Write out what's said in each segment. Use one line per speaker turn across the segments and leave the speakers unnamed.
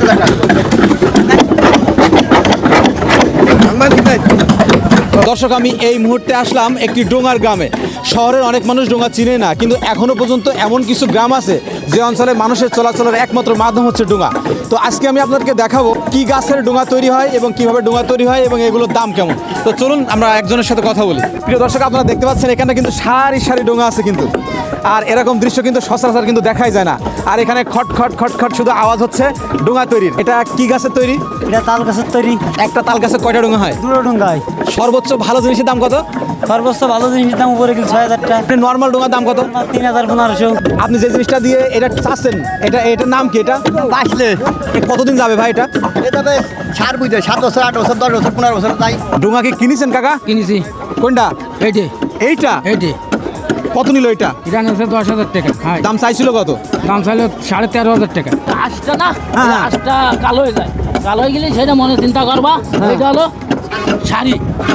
দর্শক, আমি এই মুহূর্তে আসলাম একটি ডোঙার গ্রামে। শহরের অনেক মানুষ ডোঙা চিনে না, কিন্তু এখনো পর্যন্ত এমন কিছু গ্রাম আছে যে অঞ্চলে মানুষের চলাচলের একমাত্র মাধ্যম হচ্ছে ডোঙা। তো আজকে আমি আপনাদেরকে দেখাবো কি গাছের ডোঙা তৈরি হয় এবং কিভাবে ডোঙা তৈরি হয় এবং এগুলোর দাম কেমন। তো চলুন আমরা একজনের সাথে কথা বলি। প্রিয় দর্শক, আপনারা দেখতে পাচ্ছেন এখানে কিন্তু সারি সারি ডোঙা আছে কিন্তু, আর এরকম দৃশ্য কিন্তু সচরাচর কিন্তু দেখাই যায় না। আর এখানে খট খট খট খট শুধু আওয়াজ হচ্ছে ডোঙা তৈরির। এটা কি গাছের তৈরি?
এটা তাল গাছের তৈরি।
একটা তাল গাছে কয়টা ডোঙা হয়?
দুটো ডোঙ্গা হয়।
সর্বোচ্চ ভালো জিনিসের দাম কত?
সর্বোচ্চ ভালো জিনিসের দাম উপরে গেলে 6,000 টাকা।
নর্মাল ডোঙার দাম কত?
3,000-1,500।
আপনি যে জিনিসটা দিয়ে এটা চাচ্ছেন, এটার নাম কি? এটা
আসলে
কতদিন যাবে ভাই এটা?
এভাবে 7 বছর 8 বছর 10 বছর 15 বছর তাই।
ডোঙা কি কিনেছেন কাকা?
কিনেছি।
কোনটা? এইটা
এইটে
কত নিল এটা?
এটা নিয়েছে 10,000 টাকা। হ্যাঁ,
দাম চাইছিল কত?
দাম চাইলে 13,500 টাকা। আশটা না,
হ্যাঁ।
আশটা কালো হয়ে যায়। কালো হয়ে গেলে সেটা মনে চিন্তা করবা। এটা হলো শাড়ি,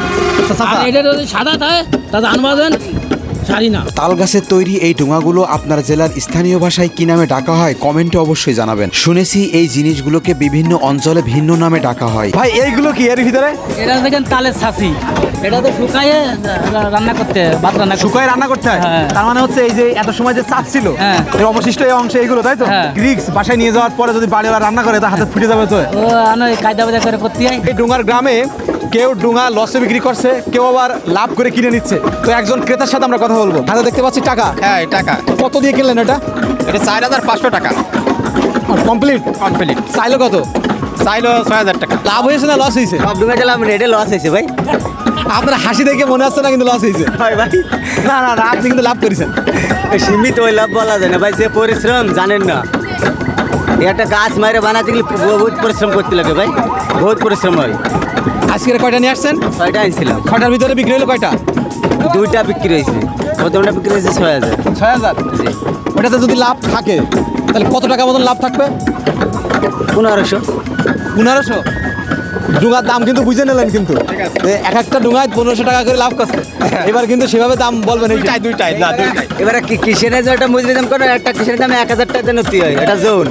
আর এটা যদি সাদা থাকে তা জানবাজেন শাড়ি না।
তাল গাছের তৈরি এই ডোঙাগুলো আপনার জেলার স্থানীয় ভাষায় কি নামে ডাকা হয় কমেন্টে অবশ্যই জানাবেন। শুনেছি এই জিনিসগুলোকে বিভিন্ন অঞ্চলে ভিন্ন নামে ডাকা হয়।
ভাই এইগুলো কি এর ভিতরে?
এটা দেখেন তালের ছাঁচি। এটা তো শুকায়ে রান্না করতে হয়, ভাত রান্না করতে
শুকায় রান্না করতে হয়।
হ্যাঁ।
তার মানে হচ্ছে এই যে এত সময় যে চাপ ছিল,
হ্যাঁ।
এর অবশিষ্ট এই অংশ এইগুলো, তাই তো?
হ্যাঁ।
গ্রিক্স বাসায় নিয়ে যাওয়ার পরে যদি বাড়িওয়ালা রান্না করে তা হাতে ফুটে যাবে তো।
ও কায়দা বাজা করে করতে হয়।
এই ডোঙার গ্রামে কেউ ডোঙা লসে বিক্রি করছে, কেউ আবার লাভ করে কিনে নিচ্ছে। তো একজন ক্রেতার সাথে আমরা কথা বলবো। হাতে দেখতে পাচ্ছি টাকা।
হ্যাঁ টাকা
কত দিয়ে কিনলেন এটা?
এটা 4,500 টাকা
কমপ্লিট
কমপ্লিট।
চাইলো কত?
চাইলো 6,000 টাকা।
লাভ হয়েছে না লস হয়েছে?
সব ডোঙ্গা গেলাম রেডে লস হয়েছে ভাই।
আপনার হাসি দেখে মনে হচ্ছে না কিন্তু লস হয়েছে।
ভাই ভাই
না না না, আপনি কিন্তু লাভ করেছেন।
সীমিত ওই লাভ বলা যায় না ভাই, যে পরিশ্রম জানেন না। একটা গাছ মারে বানাতে গেলে বহুত পরিশ্রম করতে লাগে ভাই, বহুত পরিশ্রম হয়।
আজকের কয়টা নিয়ে আসছেন?
6টা আনছিলাম,
কয়টার ভিতরে বিক্রি হলো কয়টা?
2টা বিক্রি হয়েছে। প্রথমটা বিক্রি হয়েছে 6,000।
6,000।
জি,
ওটাতে যদি লাভ থাকে তাহলে কত টাকা মতন লাভ থাকবে?
1,500।
1,500। ডুঙার দাম কিন্তু বুঝে নিলেন কিন্তু, এক একটা ডুঙায় 1,500 টাকা করে লাভ করছে। এবার কিন্তু সেভাবে দাম বলবেন।
দুইটাই না দুইটাই।
এবারে কিসের যেটা মজুরি দাম করে, একটা কিসের দামে 1,000 টাকা নতি হয়। এটা জোন,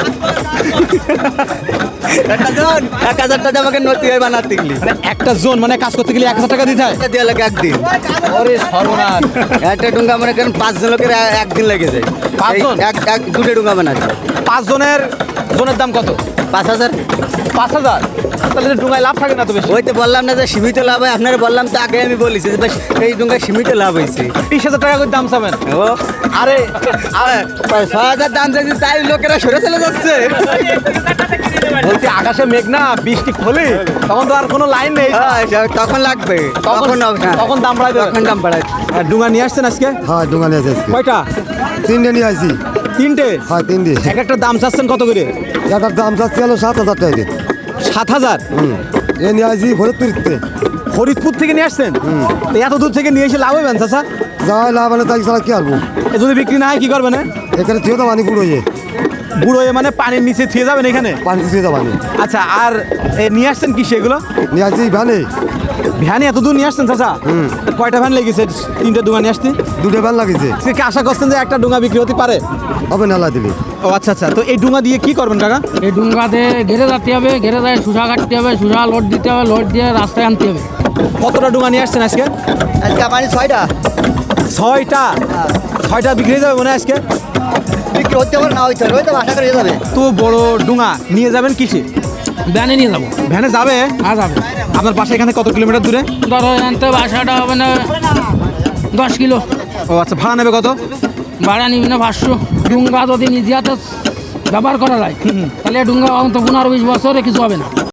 একটা জোন 1,000 টাকা আমাকে নতি হয় বানাতে গেলে।
মানে একটা জোন মানে কাজ করতে গেলে 1,000 টাকা দিতে হয়।
এটা দেওয়া লাগে একদিন।
ওরে সর্বনাশ!
একটা ডুঙ্গা মনে করেন 5 জন লোকের একদিন লেগে যায়।
5 জন?
দুটো ডুঙ্গা বানাতে
5 জনের জনের দাম কত?
5,000।
5,000। তাহলে ডুঙায় লাভ থাকে না তো বেশি।
ওই তো বললাম না যে সীমিত লাভ হয়, আপনারা বললাম তো আগে, আমি বলেছি যে এই ডুঙ্গায় সীমিত লাভ হয়েছে।
30,000 টাকা করে দাম চাবেন?
ও
আরে
6,000 দাম চাইছে, তাই লোকেরা সরে চলে যাচ্ছে।
বলছি আকাশে মেঘ না, বৃষ্টি খোলে, তখন তো আর কোনো লাইন নেই।
তখন লাগবে,
তখন দাম বাড়াই দেবে।
তখন দাম বাড়ায়।
ডুঙা নিয়ে আসছেন আজকে?
হ্যাঁ ডোঙ্গা নিয়ে আসছি।
কয়টা?
3টে নিয়ে আসছি।
3টে?
হ্যাঁ 3টে।
এক একটা দাম চাচ্ছেন কত করে?
এটার দাম চাচ্ছি হলো 7,000 টাকা দিয়ে।
7,000?
এ নিয়ে আসছি ফরিদপুরতে।
ফরিদপুর থেকে নিয়ে আসছেন? তো এত দূর থেকে নিয়ে এসে লাভ হবেন চাচা?
যাওয়াই লাভ হলে তাই ছাড়া কি করবো?
এ যদি বিক্রি না হয় কি করবেন?
এখানে থিয়ে তো পানি পুরো
বুড়ো হয়ে মানে পানির নিচে থিয়ে যাবেন এখানে?
পানি থিয়ে তো পানি।
আচ্ছা, আর নিয়ে আসছেন কি সেগুলো?
নিয়ে আসছি ভ্যানে।
ভ্যানে এত দূর নিয়ে আসছেন চাচা? তো কয়টা ভ্যান লেগেছে 3টে ডুঙা নিয়ে আসতে?
2টে ভ্যান লাগিয়েছে।
সে কি আশা করছেন যে একটা ডুঙা বিক্রি হতে পারে?
হবে নালা দিলে।
ও আচ্ছা আচ্ছা। তো এই ডুঙা দিয়ে কি করবেন কাকা?
এই ডুঙ্গাতে ঘেরে যেতে হবে, ঘেরে যায় শুষা কাটতে হবে, শুষা লোড দিতে হবে, লোড দিয়ে রাস্তায় আনতে হবে।
কতটা ডুঙা নিয়ে আসছেন আজকে?
আজকে আমার 6টা।
6টা? 6টা বিক্রি হয়ে যাবে মনে হয় আজকে?
বিক্রি হতে পারে না, হইতে হবে, ওই তো আশা করে যাবে।
তো বড় ডুঙা নিয়ে যাবেন কিসে?
ব্যানে নিয়ে যাবো।
ভ্যানে যাবে?
হ্যাঁ যাবে।
আপনার বাসা এখানে কত কিলোমিটার দূরে?
ধরো আনতে বাসাটা হবে না 10 কিলো।
ও আচ্ছা, ভাড়া নেবে কত?
ভাড়া নিবি না 500। ডুঙ্গা যদি নিজে হাতে ব্যবহার করা যায় তাহলে ডুঙ্গা অন্তত 15-20 বছরে কিছু হবে না।